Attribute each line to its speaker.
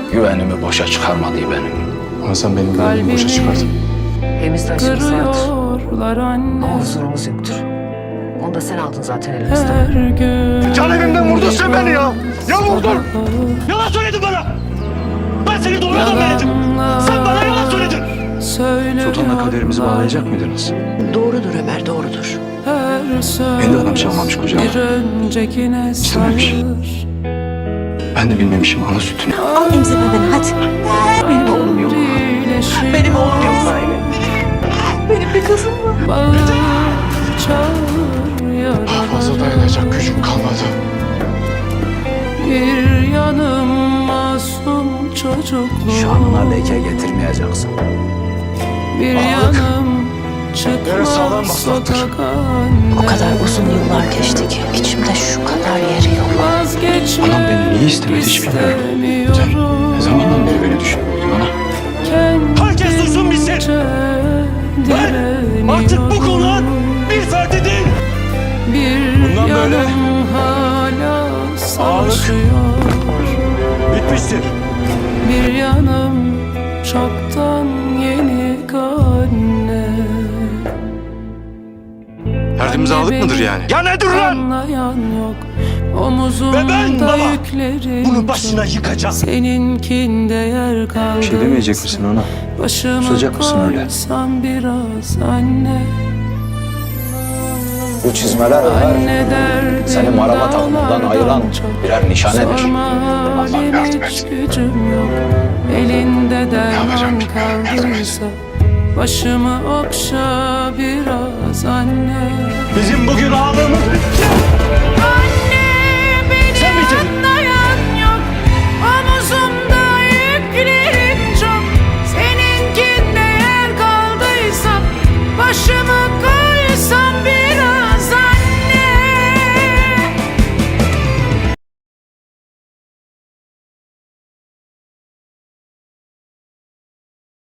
Speaker 1: Güvenimi boşa çıkarmadı benim.
Speaker 2: Ama sen benim güvenimi boşa çıkardın.
Speaker 3: Evimizde aşkımız vardır.
Speaker 4: Anne.
Speaker 3: Ama huzurumuz yoktur. Onu da sen aldın zaten elimizden.
Speaker 4: Her gün
Speaker 5: Can evimden vurdun sen beni ya. Ya vurdun. Yalan söyledin bana. Ben seni doğru adam denedim. Sen bana yalan söyledin.
Speaker 1: Sultan'la kaderimizi bağlayacak mıydınız?
Speaker 3: Doğrudur Ömer, doğrudur.
Speaker 1: Beni de adam çalmamış kucağıma. İstememiş. Ben de bilmemişim ana sütünü.
Speaker 3: Al emzirme beni hadi. Benim oğlum yok. Benim oğlum yok böyle. Benim bir kızım var.
Speaker 2: Daha fazla dayanacak gücüm kalmadı.
Speaker 4: Bir yanım masum çocukluğum.
Speaker 1: Şanına leke getirmeyeceksin.
Speaker 4: Bir yanım
Speaker 2: Yere sağlam
Speaker 4: çıkmaz
Speaker 2: basaktır.
Speaker 4: sokak anne.
Speaker 3: O kadar uzun yıllar geçti ki içimde şu kadar yeri yok.
Speaker 4: Vazgeçmek
Speaker 1: Anam beni niye istemedi hiç bilmiyorum. Sen ne zamandan beri beni düşünüyordun ana?
Speaker 5: Herkes duysun bilsin. Ben artık bu konağın bir ferdi değil. Bundan
Speaker 4: Bir
Speaker 5: böyle
Speaker 4: yanım hala savaşıyor.
Speaker 5: Bitmiştir.
Speaker 4: Bir yanım çoktan yenik anne.
Speaker 2: Derdimizi aldık mıdır yani?
Speaker 5: Ya nedir lan?
Speaker 4: Anlayan yok.
Speaker 5: Ve
Speaker 4: Omuzumda
Speaker 5: ben baba
Speaker 4: yüklerim
Speaker 5: bunu başına
Speaker 4: çok.
Speaker 5: yıkacağım.
Speaker 4: Seninkinde yer kaldı.
Speaker 1: Bir şey demeyecek misin ona?
Speaker 4: Başımı
Speaker 1: Susacak mısın öyle?
Speaker 4: koysam biraz anne.
Speaker 1: Bu çizmeler
Speaker 4: Anne derdim
Speaker 1: seni maraba takımından
Speaker 4: dağlardan
Speaker 1: ayıran
Speaker 4: çok.
Speaker 1: birer nişanedir.
Speaker 4: Sorma
Speaker 2: yardım
Speaker 4: halim hiç gücüm yok. Elinde derman kaldıysa başımı okşa biraz anne.
Speaker 5: Bizim bugün ağlamamız bitti.